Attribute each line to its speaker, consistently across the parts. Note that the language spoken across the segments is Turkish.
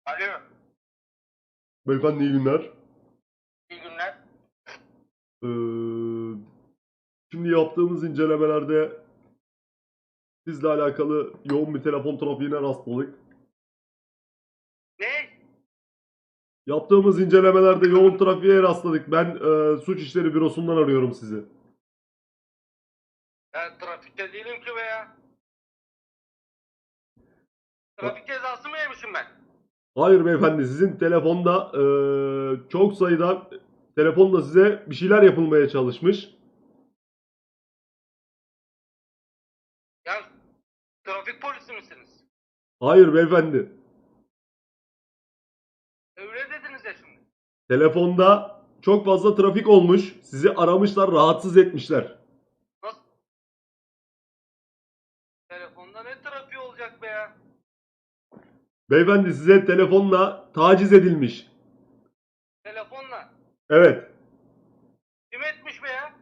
Speaker 1: Alo,
Speaker 2: Beyefendi iyi günler.
Speaker 1: iyi günler.
Speaker 2: Ee, Şimdi yaptığımız incelemelerde sizle alakalı yoğun bir telefon trafiğine rastladık.
Speaker 1: Ne?
Speaker 2: Yaptığımız incelemelerde yoğun trafiğe rastladık. Ben Suç İşleri Bürosu'ndan arıyorum sizi.
Speaker 1: Ben trafikte değilim ki be ya.
Speaker 2: Ha-
Speaker 1: Trafik cezası mı yemişim ben?
Speaker 2: Hayır beyefendi, sizin telefonda çok sayıda telefonla size bir şeyler yapılmaya çalışmış.
Speaker 1: Ya trafik polisi misiniz?
Speaker 2: Hayır beyefendi.
Speaker 1: Öyle dediniz ya şimdi.
Speaker 2: Telefonda çok fazla trafik olmuş. Sizi aramışlar, rahatsız etmişler.
Speaker 1: Nasıl? Telefonda ne trafiği olacak be ya?
Speaker 2: Beyefendi size telefonla taciz edilmiş.
Speaker 1: Telefonla.
Speaker 2: Evet.
Speaker 1: Kim etmiş be ya?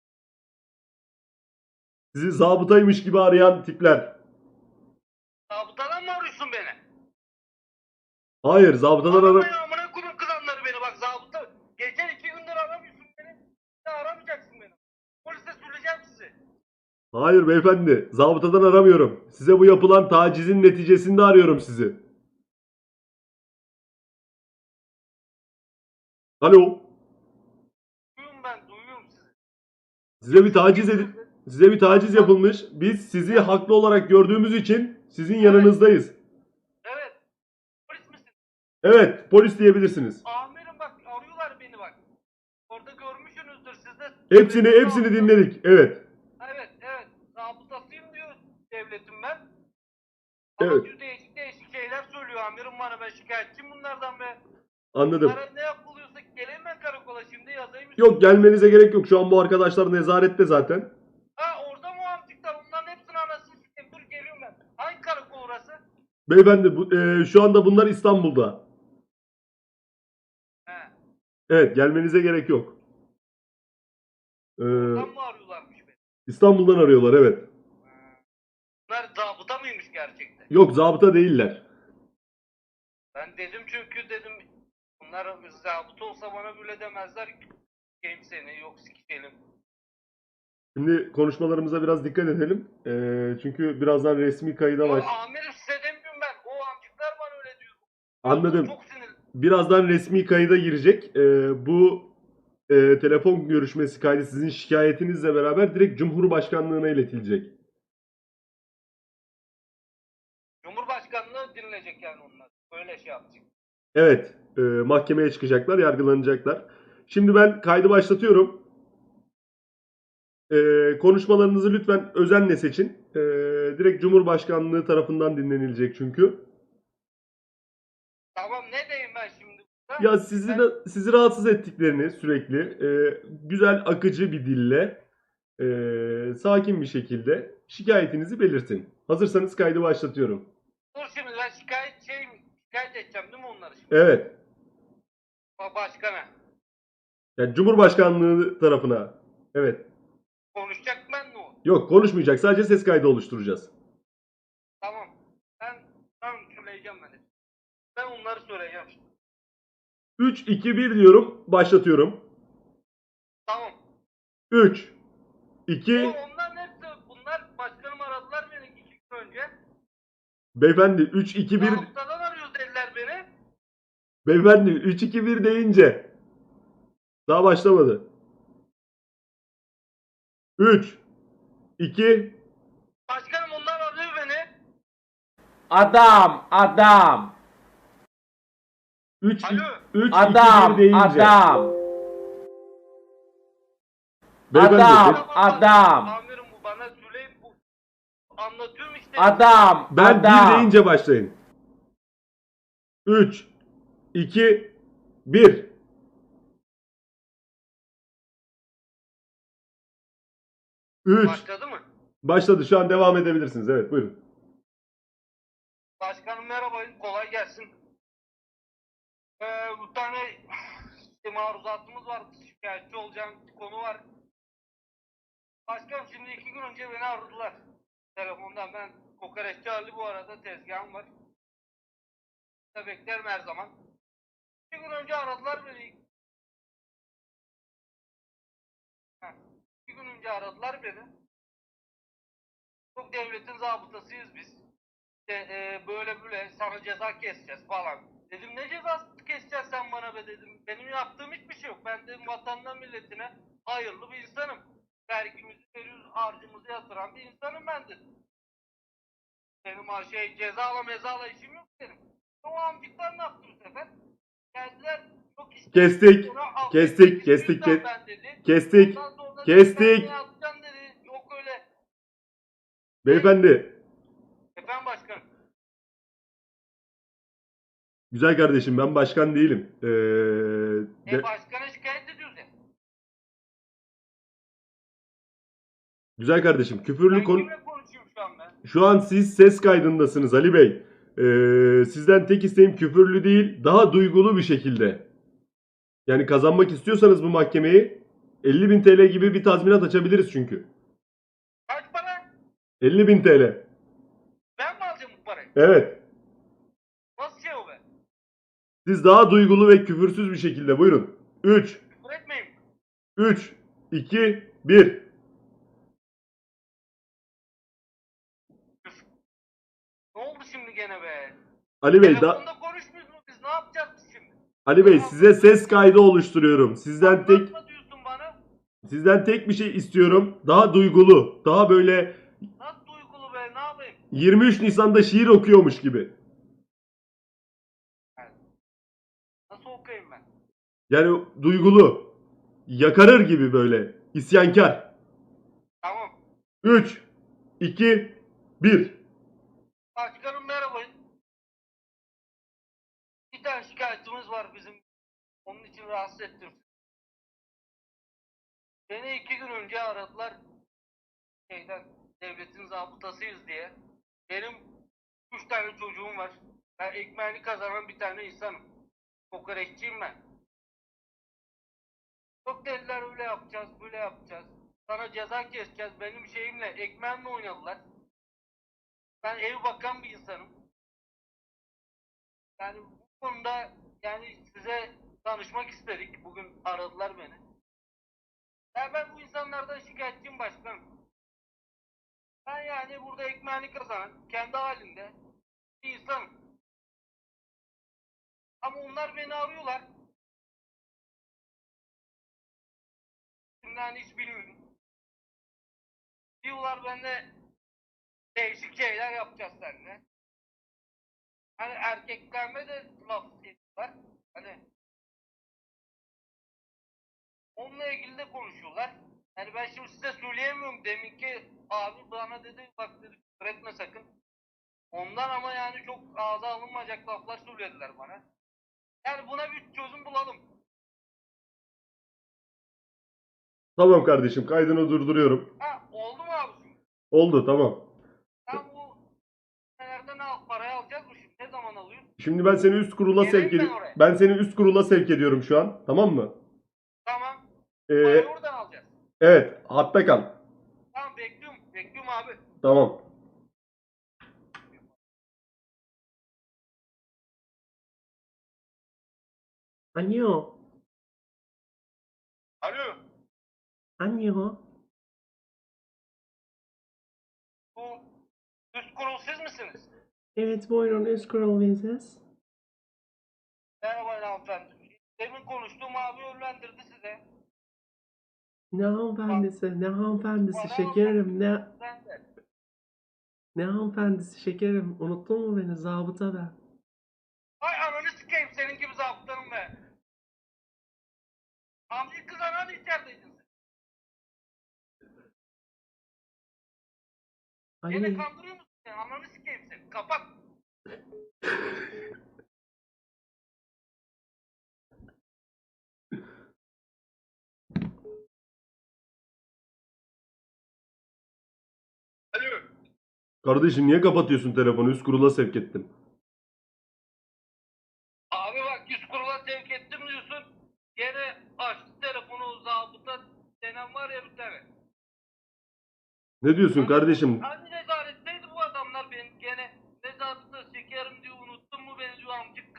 Speaker 2: Sizi zabıtaymış gibi arayan tipler.
Speaker 1: Zabıtadan mı arıyorsun beni?
Speaker 2: Hayır, zabıtadan
Speaker 1: Arama
Speaker 2: ara...
Speaker 1: ya amına koyayım kızanları beni bak zabıta. Geçen 2 gündür aramıyorsun beni. Bir de aramayacaksın beni. Polise söyleyeceğim sizi.
Speaker 2: Hayır beyefendi, zabıtadan aramıyorum. Size bu yapılan tacizin neticesinde arıyorum sizi. Alo,
Speaker 1: Duyuyorum sizi.
Speaker 2: size bir taciz
Speaker 1: Kimsiniz?
Speaker 2: size bir taciz yapılmış. Biz sizi haklı olarak gördüğümüz için sizin yanınızdayız.
Speaker 1: Evet. Polis misin?
Speaker 2: Evet, polis diyebilirsiniz.
Speaker 1: Amirim bak arıyorlar beni bak. Orada görmüşsünüzdür siz de.
Speaker 2: Hepsini dinledik. Evet.
Speaker 1: Evet. Zabıtasıyım diyor devletim ben. Ama
Speaker 2: Evet,
Speaker 1: diyor değişik değişik şeyler söylüyor amirim bana. Ben şikayetçiyim bunlardan be.
Speaker 2: anladım.
Speaker 1: Bunlara ne yapılıyorsa geleyim ben karakola şimdi yazayım
Speaker 2: Yok,
Speaker 1: üstüne.
Speaker 2: gelmenize gerek yok. Şu an bu arkadaşlar nezarette zaten.
Speaker 1: Ha orada mı amcıklar? Onların hepsini anasını sikeyim. Dur geliyorum ben. Hangi karakol orası?
Speaker 2: Beyefendi, şu anda bunlar İstanbul'da.
Speaker 1: He.
Speaker 2: Evet, gelmenize gerek yok.
Speaker 1: Oradan
Speaker 2: Ee,
Speaker 1: mı arıyorlarmış beni?
Speaker 2: İstanbul'dan arıyorlar, evet.
Speaker 1: He. Bunlar zabıta mıymış gerçekten?
Speaker 2: Yok, zabıta değiller.
Speaker 1: Ben dedim çünkü dedim bunlar zabıta olsa bana böyle demezler. Sikeyim seni yok sikelim.
Speaker 2: Şimdi konuşmalarımıza biraz dikkat edelim. Çünkü birazdan resmi kayıda
Speaker 1: Ya
Speaker 2: baş...
Speaker 1: amirim size demiyorum ben. O amcıklar bana öyle diyor. Diyorsun
Speaker 2: Anladım.
Speaker 1: çok sinir.
Speaker 2: Birazdan resmi kayıda girecek. Bu telefon görüşmesi kaydı sizin şikayetinizle beraber direkt Cumhurbaşkanlığına iletilecek.
Speaker 1: Cumhurbaşkanlığı dinleyecek yani onlar. Böyle şey yapacak.
Speaker 2: Evet, mahkemeye çıkacaklar, yargılanacaklar. Şimdi ben kaydı başlatıyorum. Konuşmalarınızı lütfen özenle seçin. Direkt Cumhurbaşkanlığı tarafından dinlenilecek çünkü.
Speaker 1: Tamam ne diyeyim ben şimdi burada?
Speaker 2: Ya
Speaker 1: Ben
Speaker 2: sizi rahatsız ettiklerini sürekli güzel akıcı bir dille sakin bir şekilde şikayetinizi belirtin. Hazırsanız kaydı başlatıyorum.
Speaker 1: dur şimdi ben şikayet edeceğim değil mi onları şimdi?
Speaker 2: Evet.
Speaker 1: Başkana.
Speaker 2: Yani Cumhurbaşkanlığı tarafına. Evet.
Speaker 1: Konuşacak ben mi o?
Speaker 2: Yok, konuşmayacak. Sadece ses kaydı oluşturacağız.
Speaker 1: Tamam. Ben söyleyeceğim ben. Ben onları söyleyeceğim şimdi.
Speaker 2: 3, 2, 1 diyorum. Başlatıyorum.
Speaker 1: Tamam.
Speaker 2: 3,
Speaker 1: O
Speaker 2: 2,
Speaker 1: onların hepsi bunlar başkanım aradılar beni 2 gün önce.
Speaker 2: beyefendi 3, 2, 1,
Speaker 1: Zabıtadan arıyor dediler beni.
Speaker 2: beyefendi 3, 2, 1 deyince daha başlamadı. 3, 2,
Speaker 1: Başkanım onlar arıyor beni.
Speaker 3: Adam.
Speaker 2: 3,
Speaker 1: Alo.
Speaker 2: 3, 2, 1
Speaker 3: Adam.
Speaker 2: deyince.
Speaker 3: Adam.
Speaker 2: Beyefendi,
Speaker 3: Adam. Adam.
Speaker 1: Amirim bu bana söyleyin bu. Anlatıyorum işte.
Speaker 3: Adam.
Speaker 2: ben 1
Speaker 3: Adam.
Speaker 2: deyince başlayın. 3, 2, 1. Üç.
Speaker 1: Başladı mı?
Speaker 2: Başladı. Şu an devam edebilirsiniz. Evet, buyurun.
Speaker 1: Başkanım merhaba kolay gelsin. Bir tane işte maruzatımız var. Şikayetçi olacağım bir konu var. Başkanım şimdi 2 gün önce beni aradılar. Telefondan ben kokoreççi Ali bu arada tezgahım var. Beklerim her zaman. 2 gün önce aradılar beni. Heh, 2 gün önce aradılar beni. Çok devletin zabıtasıyız biz. İşte, böyle böyle sana ceza keseceğiz falan. Dedim ne cezası keseceksin sen bana be dedim. Benim yaptığım hiçbir şey yok. Ben dedim vatanına milletine hayırlı bir insanım. Vergimizi veriyoruz, harcımızı yatıran bir insanım ben dedim. Benim cezala mezala işim yok benim. O amcıklar ne yaptı bu sefer? Geldiler çok
Speaker 2: Kestik.
Speaker 1: sonra
Speaker 2: Kestik.
Speaker 1: ben dedi.
Speaker 2: Kestik.
Speaker 1: Ondan sonra dedi,
Speaker 2: Kestik.
Speaker 1: ben ne yapacağım dedi. Yok öyle.
Speaker 2: Beyefendi.
Speaker 1: Efendim başkanım.
Speaker 2: Güzel kardeşim, ben başkan değilim.
Speaker 1: Başkana şikayet ediyoruz ya.
Speaker 2: Güzel kardeşim, küfürlü
Speaker 1: Ben
Speaker 2: konu...
Speaker 1: kimle konuşuyorum şu an ben?
Speaker 2: Şu an siz ses kaydındasınız Ali Bey. Sizden tek isteğim küfürlü değil, daha duygulu bir şekilde. Yani kazanmak istiyorsanız bu mahkemeyi 50.000 TL gibi bir tazminat açabiliriz çünkü.
Speaker 1: Kaç para?
Speaker 2: 50.000 TL.
Speaker 1: Ben mi alacağım bu parayı?
Speaker 2: Evet.
Speaker 1: Nasıl şey o be?
Speaker 2: Siz daha duygulu ve küfürsüz bir şekilde buyurun. 3,
Speaker 1: Küfür etmeyin.
Speaker 2: 3, 2, 1.
Speaker 1: Ne oldu şimdi gene be?
Speaker 2: Ali Bey,
Speaker 1: Telefonda konuşmuyoruz mu biz? Ne yapacağız biz şimdi?
Speaker 2: Ali Bey size ses kaydı oluşturuyorum. Sizden
Speaker 1: Anlatma diyorsun bana.
Speaker 2: tek bir şey istiyorum. Daha duygulu, daha böyle
Speaker 1: Nasıl duygulu be? Ne yapayım?
Speaker 2: 23 Nisan'da şiir okuyormuş gibi.
Speaker 1: Nasıl okuyayım ben?
Speaker 2: Yani duygulu, yakarır gibi böyle, isyankar.
Speaker 1: Tamam.
Speaker 2: 3, 2, 1.
Speaker 1: Başkanım merhaba. Bir tane şikayetimiz var bizim. Onun için rahatsız ettim. Beni 2 gün önce aradılar. Devletin zabıtasıyız diye. Benim 3 tane çocuğum var. Ben ekmeğini kazanan bir tane insanım. Kokoreççiyim ben. Çok dediler öyle yapacağız, böyle yapacağız. Sana ceza keseceğiz. Benim şeyimle, ekmeğimle oynadılar. Ben ev bakan bir insanım. Yani bu konuda yani size danışmak istedik. Bugün aradılar beni. Ben bu insanlardan şikayetçiyim başkanım. Ben yani burada ekmeğini kazanan, kendi halinde bir insanım. Ama onlar beni arıyorlar. Şimdiden hiç bilmiyorum. Diyorlar benimle değişik şeyler yapacağız seninle. Hani erkeklerime de laf ediyorlar. Hani onunla ilgili de konuşuyorlar. Yani ben şimdi size söyleyemiyorum. Deminki abi bana dedi bak dedi küfür etme sakın. Ondan ama yani çok ağza alınmayacak laflar söylediler bana. Yani buna bir çözüm bulalım.
Speaker 2: Tamam kardeşim, kaydını durduruyorum.
Speaker 1: Ha oldu mu abi şimdi?
Speaker 2: Oldu, tamam.
Speaker 1: Sen bu nereden parayı alacağız mı şimdi? Ne zaman alıyorsun?
Speaker 2: Şimdi ben seni üst kurula
Speaker 1: Geleyim
Speaker 2: sevk
Speaker 1: ben
Speaker 2: ediyorum.
Speaker 1: oraya.
Speaker 2: Ben seni üst kurula sevk ediyorum şu an. Tamam mı?
Speaker 1: Tamam.
Speaker 2: Ee,
Speaker 1: Parayı oradan alacağız.
Speaker 2: evet, hatta kal.
Speaker 1: Tamam bekliyorum. Bekliyorum abi.
Speaker 2: Tamam.
Speaker 3: Alo.
Speaker 1: Alo.
Speaker 3: Alo.
Speaker 1: Bu üst kurul siz misiniz?
Speaker 3: Evet buyurun üst kurul biziz.
Speaker 1: Merhaba hanımefendi. Demin konuştuğum abi yönlendirdi size.
Speaker 3: Ne hanımefendisi, ne hanımefendisi
Speaker 1: Bana
Speaker 3: şekerim,
Speaker 1: Ben de.
Speaker 3: ne hanımefendisi şekerim. Unuttun mu beni zabıta ben.
Speaker 1: Ay ananı sikeyim senin gibi zabıtanım be. Amcık kız ananı içerideydin sen. Beni
Speaker 3: Ali.
Speaker 1: kandırıyor musun sen? Ananı sikeyim seni. Kapat. Alo.
Speaker 2: Kardeşim niye kapatıyorsun telefonu? Üst kurula sevk ettim.
Speaker 1: Abi bak yüz kurula sevk ettim diyorsun. Gene açtı telefonu zabıta denen var ya bir tane.
Speaker 2: Ne diyorsun kardeşim?
Speaker 1: Hani nezaretteydi bu adamlar benim gene. Ne zabıta şekerim diyor unuttun mu beni diyor amcık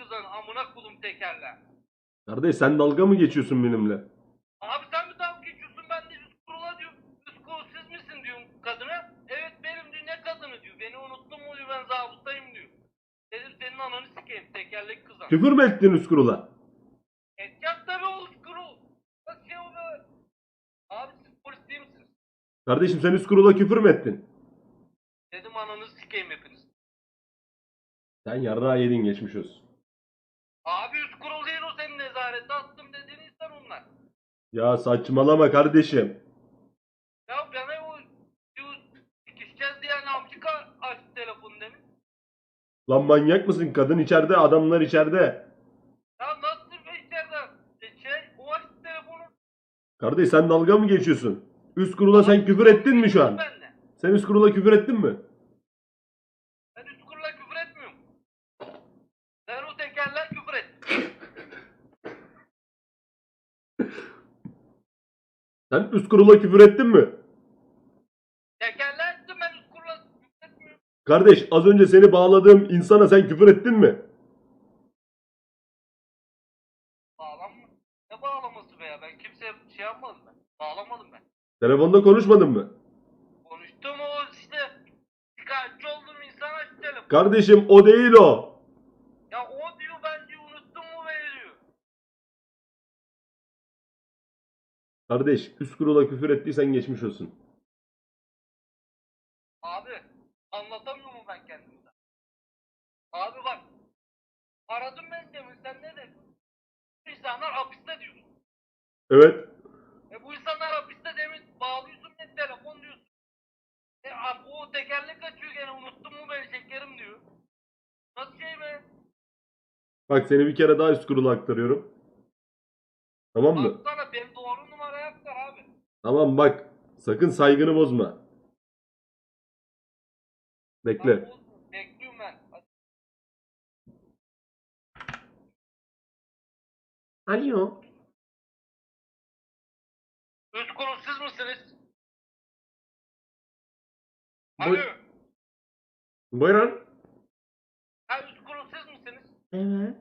Speaker 1: Amına kodum tekerle.
Speaker 2: Kardeş sen dalga mı geçiyorsun benimle?
Speaker 1: Abi sen mi dalga geçiyorsun? Ben de üst kurula diyorum. Üst kurul siz misin diyorum kadına. Evet benim diyor. Ne kadını diyor. Beni unuttun mu diyor. Ben zabıtayım diyor. Dedim senin ananı sikeyim. Tekerlek kızan.
Speaker 2: Küfür mü ettin üst kurula?
Speaker 1: Edeceğim tabii o üst kurul. Nasıl şey oluyor? Abi siz polis değil misiniz?
Speaker 2: Kardeşim sen üst kurula küfür mü ettin?
Speaker 1: Dedim ananı sikeyim hepiniz.
Speaker 2: Sen yarrağı yedin geçmiş olsun.
Speaker 1: Abi üst kurul değil o senin nezarete attım dediğin insan onlar.
Speaker 2: Ya saçmalama kardeşim.
Speaker 1: Ya bana o diyor, sikişeceğiz diyen amcık açtı telefonu demin.
Speaker 2: Lan manyak mısın? Kadın içeride, adamlar içeride.
Speaker 1: Ya nasıl be içeriden? O açtı telefonu.
Speaker 2: Kardeş sen dalga mı geçiyorsun? Üst kurula sen küfür ettin mi şu an?
Speaker 1: Ben de.
Speaker 2: Sen üst kurula küfür ettin mi?
Speaker 1: Ben üst kurula küfür etmiyorum. Sen o tekerler küfür et.
Speaker 2: Sen üst kurula küfür ettin mi?
Speaker 1: Tekerler ettim ben üst kurula küfür etmiyorum.
Speaker 2: Kardeş az önce seni bağladığım insana sen küfür ettin mi?
Speaker 1: Bağlam mı? Ne bağlaması be ya? Ben kimseye şey yapmadım ben. Bağlamadım ben.
Speaker 2: Telefonda konuşmadın mı?
Speaker 1: Konuştum o işte. Şikayetçi olduğum insan açtı telefonu.
Speaker 2: Kardeşim o değil o.
Speaker 1: Ya o diyor ben diyor unuttum mu beni diyor.
Speaker 2: Kardeş üst kurula küfür ettiysen geçmiş olsun.
Speaker 1: Abi anlatamıyor mu ben kendimden? Abi bak. Aradım ben demin sen ne dedin? Bu insanlar hapiste diyorsun.
Speaker 2: Evet.
Speaker 1: Bu insanlar hapiste demin bağlıyorsun beni telefon diyorsun. Abi o tekerlek açıyor gene unuttun mu beni şekerim diyor. Nasıl şey be?
Speaker 2: Bak seni bir kere daha üst kurula aktarıyorum. Tamam mı?
Speaker 1: Baksana benim doğru numaraya aktar abi.
Speaker 2: Tamam bak. Sakın saygını bozma. Bekle.
Speaker 1: Bekliyorum ben.
Speaker 3: Alo.
Speaker 1: Üst kurul siz misiniz?
Speaker 3: Bu-
Speaker 1: Alo.
Speaker 3: Buyurun.
Speaker 1: Ha üst kurul siz misiniz?
Speaker 3: Evet.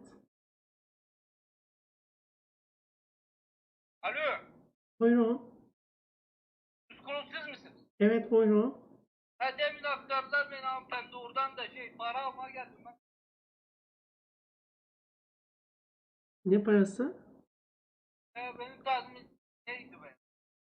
Speaker 1: Alo.
Speaker 3: Buyurun.
Speaker 1: Üst kurul siz misiniz?
Speaker 3: Evet buyurun.
Speaker 1: Ha demin aktardılar beni hanımefendi oradan da para almaya geldim ben.
Speaker 3: Ne parası?
Speaker 1: Benim tazmin neydi be?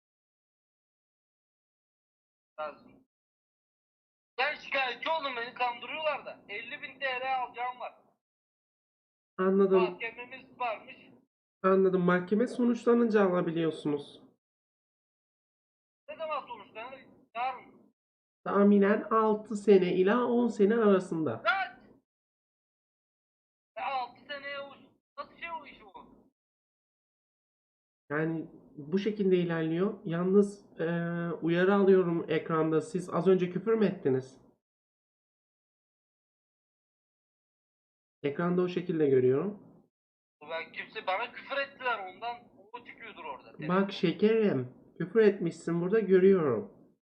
Speaker 1: Tazmin. Ben şikayetçi oldum beni kandırıyorlar da. 50.000 TL alacağım var.
Speaker 3: Anladım.
Speaker 1: Mahkememiz varmış.
Speaker 3: Anladım. Mahkeme sonuçlanınca alabiliyorsunuz.
Speaker 1: Ne zaman sonuçlanır? Yarın.
Speaker 3: Tahminen 6 sene ila 10 sene arasında.
Speaker 1: Kaç? 6 seneye nasıl şey o iş o?
Speaker 3: Yani bu şekilde ilerliyor. Yalnız uyarı alıyorum ekranda. Siz az önce küfür mü ettiniz? Ekranda o şekilde görüyorum.
Speaker 1: Ben kimse bana küfür ettiler ondan o çıkıyordur orada.
Speaker 3: Bak şekerim, küfür etmişsin burada görüyorum.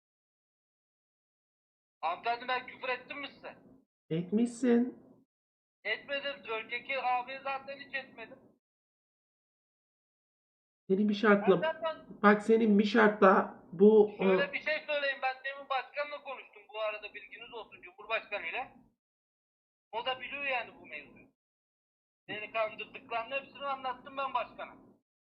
Speaker 1: Hanımefendi ben küfür ettim mi size?
Speaker 3: Etmişsin.
Speaker 1: Etmedim. Önceki abi zaten hiç etmedim.
Speaker 3: Senin bir şartla,
Speaker 1: Ben
Speaker 3: bak senin bir şartla bu
Speaker 1: şöyle bir şey söyleyeyim. Ben demin başkanla konuştum bu arada bilginiz olsun Cumhurbaşkanı ile. O da biliyor yani bu mevzuyu. Beni kandırdıklarının hepsini anlattım ben başkana.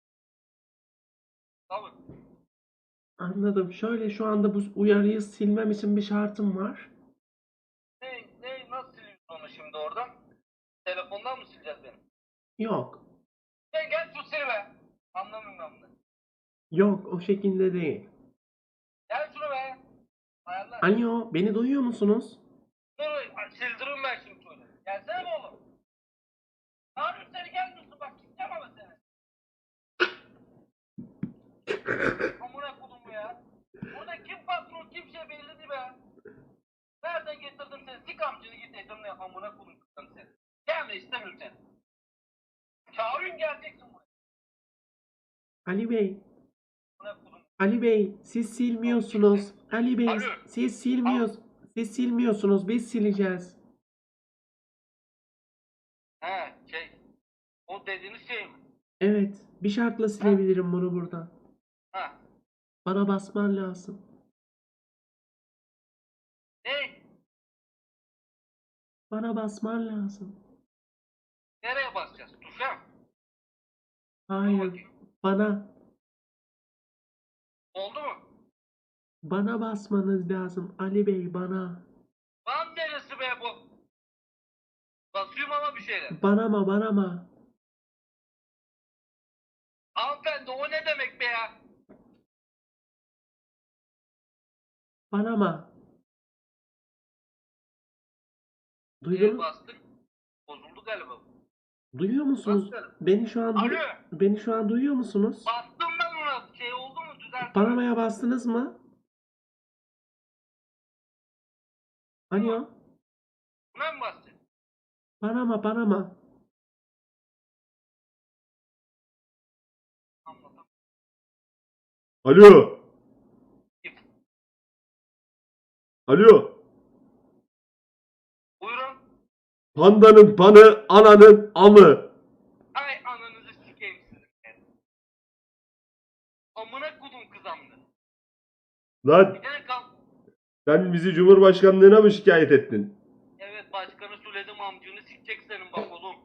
Speaker 1: Tabii.
Speaker 3: anladım. Şöyle şu anda bu uyarıyı silmem için bir şartım var.
Speaker 1: Nasıl siliyorsun onu şimdi oradan? Telefondan mı sileceğiz beni?
Speaker 3: Yok.
Speaker 1: Gel şu sil be. Anlamıyorum ben bunu.
Speaker 3: Yok o şekilde değil.
Speaker 1: Gel şunu be. Ayarlar.
Speaker 3: Alo, beni duyuyor musunuz?
Speaker 1: Dur sildiririm ben şimdi şöyle. Gelsene oğlum. Ne yapıyorsun seni gelmiyorsun bak gideceğim ama seni. Amına kodum bu ya. Burada kim patron kim şey belli değil be. Nereden getirdim seni? Sik amcını git etimle amına kodum kızım seni. Gelme istemiyorum seni. Çağırın geleceksin buraya.
Speaker 3: Ali Bey,
Speaker 1: Amına kodum.
Speaker 3: Ali Bey, siz silmiyorsunuz. Ali Bey,
Speaker 1: Alo.
Speaker 3: siz silmiyorsunuz. Biz sileceğiz.
Speaker 1: He O dediğiniz şey mi?
Speaker 3: Evet. Bir şartla silebilirim bunu buradan.
Speaker 1: Ha.
Speaker 3: Bana basman lazım.
Speaker 1: Ne?
Speaker 3: Bana basman lazım.
Speaker 1: Nereye basacağız? Tuşa mı? Dur
Speaker 3: Hayır.
Speaker 1: bakayım.
Speaker 3: Bana.
Speaker 1: Oldu mu?
Speaker 3: Bana basmanız lazım. Ali Bey bana.
Speaker 1: Lan neresi be bu? Basıyorum ama bir şeyler.
Speaker 3: Bana.
Speaker 1: Hanımefendi o ne demek be ya?
Speaker 3: Bana. Duydunuz?
Speaker 1: Bastık. Bozuldu galiba.
Speaker 3: Duyuyor musunuz?
Speaker 1: Nasıl?
Speaker 3: Beni
Speaker 1: Alo.
Speaker 3: beni şu an duyuyor musunuz?
Speaker 1: Bastım ben ona. Şey oldu mu? Düzeltti mi?
Speaker 3: Panama'ya bastınız mı? Alo?
Speaker 1: Buna mı bastın?
Speaker 3: Panama.
Speaker 1: Anladım.
Speaker 2: Alo. Alo.
Speaker 1: Buyurun.
Speaker 2: Pandanın panı, ananın amı.
Speaker 1: Ay ananızı sikeyim sizin. Amına kudum kızamdı.
Speaker 2: Lan
Speaker 1: Bir de kal.
Speaker 2: sen bizi Cumhurbaşkanlığına mı şikayet ettin?
Speaker 1: Evet başkanı söyledim amcını sikecek senin bak oğlum.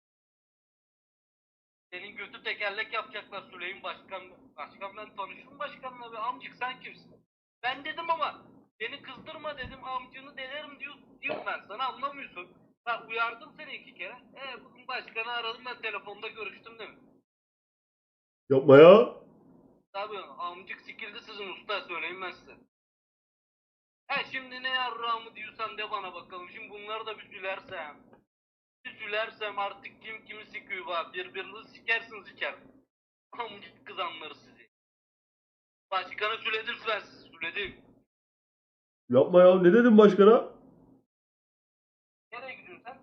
Speaker 1: Senin götü tekerlek yapacaklar Süleyman Başkan. Başkan ben tanıştım başkanla be amcık sen kimsin? Ben dedim ama beni kızdırma dedim amcını delerim diyorum ben sana anlamıyorsun. Ben uyardım seni 2 kere. Bugün başkanı aradım ben telefonda görüştüm değil mi?
Speaker 2: Yapma ya.
Speaker 1: Tabii amcık sikildi sizin usta söyleyeyim ben size. Şimdi ne yarrağımı diyorsan de bana bakalım. Şimdi bunları da bir sülersem. Bir sülersem artık kim kimi sikiyor bak. Birbirinizi sikersiniz içer. Amcık kız anlar sizi. Başkanı süledim ben sizi süledim.
Speaker 2: Yapma ya. Ne dedin başkana?
Speaker 1: Nereye gidiyorsun sen?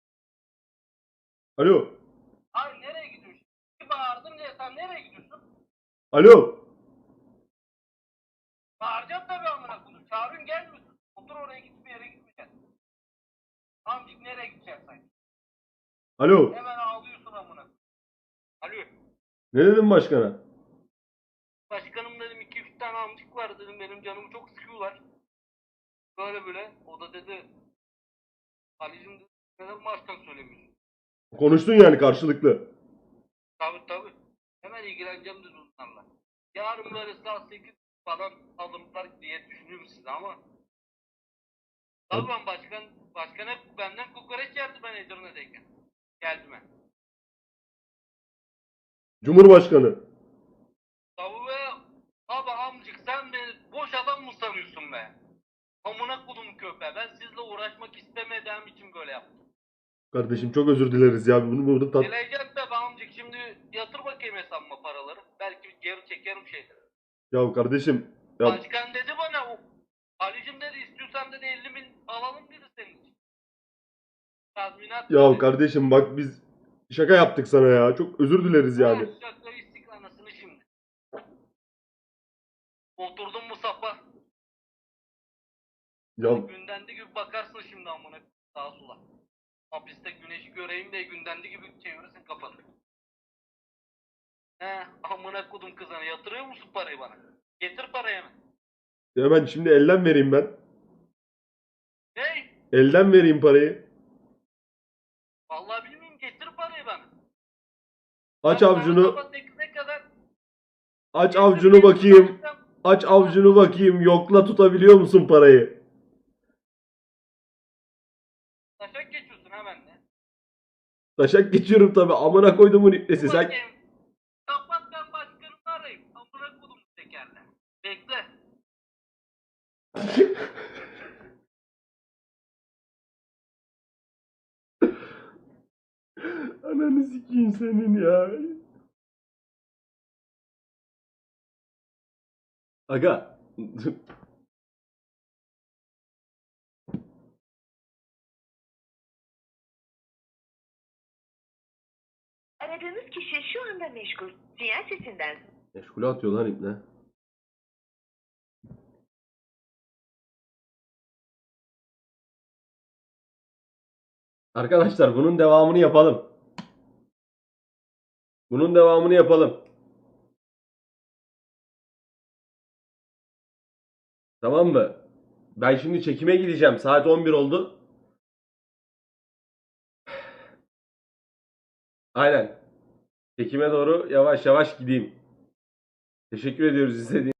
Speaker 2: Alo.
Speaker 1: Hayır nereye gidiyorsun? Bir bağırdım diye sen nereye gidiyorsun?
Speaker 2: Alo.
Speaker 1: Bağıracağım tabii amına koyayım. Çağırın gelmiyorsun. Otur oraya git bir yere gitmeyeceksin. Amcık nereye gideceksin sen?
Speaker 2: Alo.
Speaker 1: Hemen ağlıyorsun amına. Alo.
Speaker 2: Ne dedin başkana?
Speaker 1: Başkanım dedim 2-3 tane amcık var dedim benim canımı çok sıkıyorlar. Böyle böyle. O da dedi Ali'cim dedi, neden baştan söylemiyorsun?
Speaker 2: Konuştun yani karşılıklı.
Speaker 1: Tabii. Hemen ilgileneceğim dedi onlarla. Yarın böyle saat 8 falan alımlar diye düşünüyorum size ama. Tabii ben başkan hep benden kokoreç yerdi ben Edirne'deyken. Geldi ben.
Speaker 2: Cumhurbaşkanı.
Speaker 1: Tabii be. Abi amcık sen beni boş adam mı sanıyorsun be? Amına kodum köpeğe. Ben sizle uğraşmak istemediğim için böyle yaptım.
Speaker 2: Kardeşim çok özür dileriz ya. Bunu burada
Speaker 1: Dileyeceğim de be amcık şimdi yatır bakayım hesabıma paraları. Belki geri çekerim şeyleri.
Speaker 2: Ya kardeşim. Ya,
Speaker 1: Başkan dedi bana Ali'cim dedi istiyorsan dedi 50.000 alalım dedi senin için. Tazminat
Speaker 2: ya
Speaker 1: dedi.
Speaker 2: kardeşim bak biz şaka yaptık sana ya. Çok özür dileriz yani.
Speaker 1: Şaka istik anasını şimdi. Oturdum mu sapa.
Speaker 2: Ya
Speaker 1: Gündendi gibi bakarsın şimdi amına sağa sola. Hapiste güneşi göreyim diye gündendi gibi çevirirsin kafanı. Amına kodum kızana yatırıyor musun parayı bana? Getir parayı hemen.
Speaker 2: hemen şimdi elden vereyim ben.
Speaker 1: Ne?
Speaker 2: Elden vereyim parayı.
Speaker 1: Vallahi bilmiyorum getir parayı bana.
Speaker 2: Aç
Speaker 1: Ben
Speaker 2: avcunu.
Speaker 1: sabah 8'e kadar
Speaker 2: Aç avcunu bakayım. Aç avcunu bakayım. Yokla tutabiliyor musun parayı?
Speaker 1: Taşak geçiyorsun ha benimle.
Speaker 2: Taşak geçiyorum tabi. Amına koyduğumun iplesi sen.
Speaker 1: Bakayım. Kapat ben başkanını arayayım. Amına kodum tekerle. Bekle.
Speaker 2: Ananı sikeyim senin ya. Aga.
Speaker 4: Aradığınız kişi şu anda meşgul. Sinyal sesinden.
Speaker 2: Meşgule atıyor lan ipne. Arkadaşlar bunun devamını yapalım. Bunun devamını yapalım. Tamam mı? Ben şimdi çekime gideceğim. Saat 11 oldu. Aynen. Çekime doğru yavaş yavaş gideyim. Teşekkür ediyoruz izlediğiniz